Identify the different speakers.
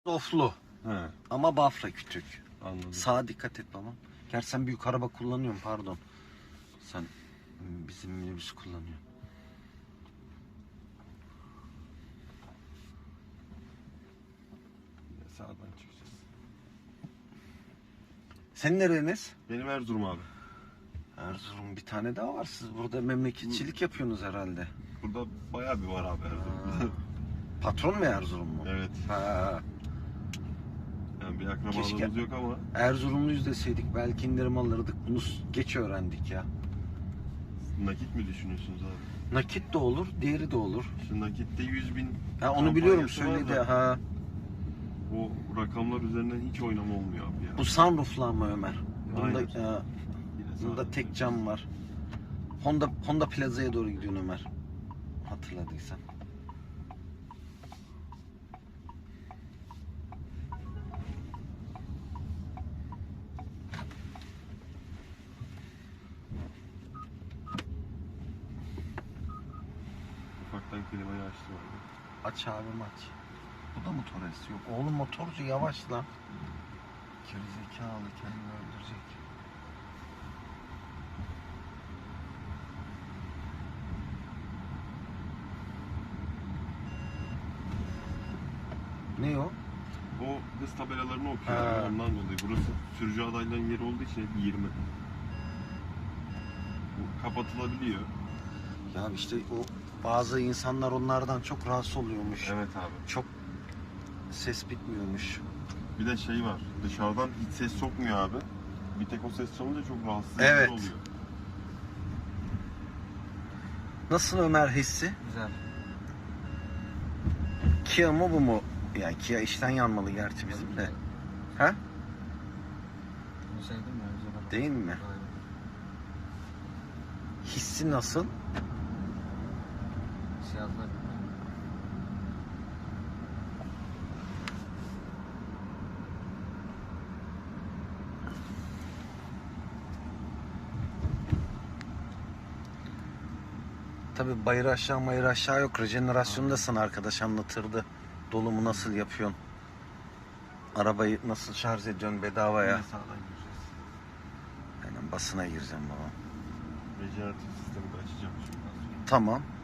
Speaker 1: Oflu.
Speaker 2: He,
Speaker 1: Ama Bafra küçük.
Speaker 2: anladım.
Speaker 1: Sağa dikkat et babam. Gerçi sen büyük araba kullanıyorsun, pardon. Sen bizim minibüs kullanıyorsun.
Speaker 2: Sağdan çıkacağız.
Speaker 1: Senin nereniz?
Speaker 2: Benim Erzurum abi.
Speaker 1: Erzurum, bir tane daha var. Siz burada memleketçilik yapıyorsunuz herhalde.
Speaker 2: Burada bayağı bir var abi Erzurum'da.
Speaker 1: Patron mu Erzurum mu?
Speaker 2: Evet.
Speaker 1: Ha.
Speaker 2: Yani bir akrabalığımız
Speaker 1: Keşke-
Speaker 2: yok ama
Speaker 1: Erzurumluyuz deseydik belki indirim alırdık. Bunu geç öğrendik ya.
Speaker 2: nakit mi düşünüyorsunuz abi?
Speaker 1: Nakit de olur, diğeri de olur.
Speaker 2: Şimdi nakitte 100.000
Speaker 1: Ha, onu biliyorum,
Speaker 2: kampanyası var
Speaker 1: söyledi.
Speaker 2: da
Speaker 1: Ha.
Speaker 2: O rakamlar üzerinden hiç oynama olmuyor abi ya.
Speaker 1: Bu sunrooflu ama Ömer. Bunda,
Speaker 2: Aynen.
Speaker 1: e,
Speaker 2: Yine
Speaker 1: bunda
Speaker 2: sağdan
Speaker 1: tek cam var. Honda Plaza'ya doğru gidiyorsun Ömer. Hatırladıysan.
Speaker 2: ufaktan klimayı açtım abi.
Speaker 1: Aç abim aç. Bu da mı Torres? Yok. Oğlum motorcu yavaş lan. Gerizekalı, kendini öldürecek. Ne o?
Speaker 2: O hız tabelalarını okuyor
Speaker 1: Ha.
Speaker 2: abi, ondan dolayı. Burası sürücü adaylarının yeri olduğu için hep 20. Bu kapatılabiliyor.
Speaker 1: Ya işte o bazı insanlar onlardan çok rahatsız oluyormuş.
Speaker 2: Evet abi.
Speaker 1: Çok ses bitmiyormuş.
Speaker 2: Bir de şey var. Dışarıdan hiç ses sokmuyor abi. Bir tek o ses çalınca çok rahatsız
Speaker 1: Evet.
Speaker 2: edici oluyor.
Speaker 1: Nasıl Ömer hissi?
Speaker 3: Güzel.
Speaker 1: Kia mı bu mu? Yani Kia işten yanmalı gerçi bizim de. Ha?
Speaker 3: Bunu sevdim ya, güzel araba.
Speaker 1: Değil mi?
Speaker 3: Aynen.
Speaker 1: Hissi nasıl?
Speaker 3: Siyahlar bilmiyorum.
Speaker 1: Tabii bayır aşağı mayır aşağı yok. Rejenerasyondasın, arkadaş anlatırdı. Dolumu nasıl yapıyorsun? Arabayı nasıl şarj ediyorsun bedavaya?
Speaker 2: Yine sağdan gireceğiz.
Speaker 1: Aynen, basına gireceğim baba.
Speaker 2: Rejeneratif sistemi de açacağım şimdi.
Speaker 1: Tamam.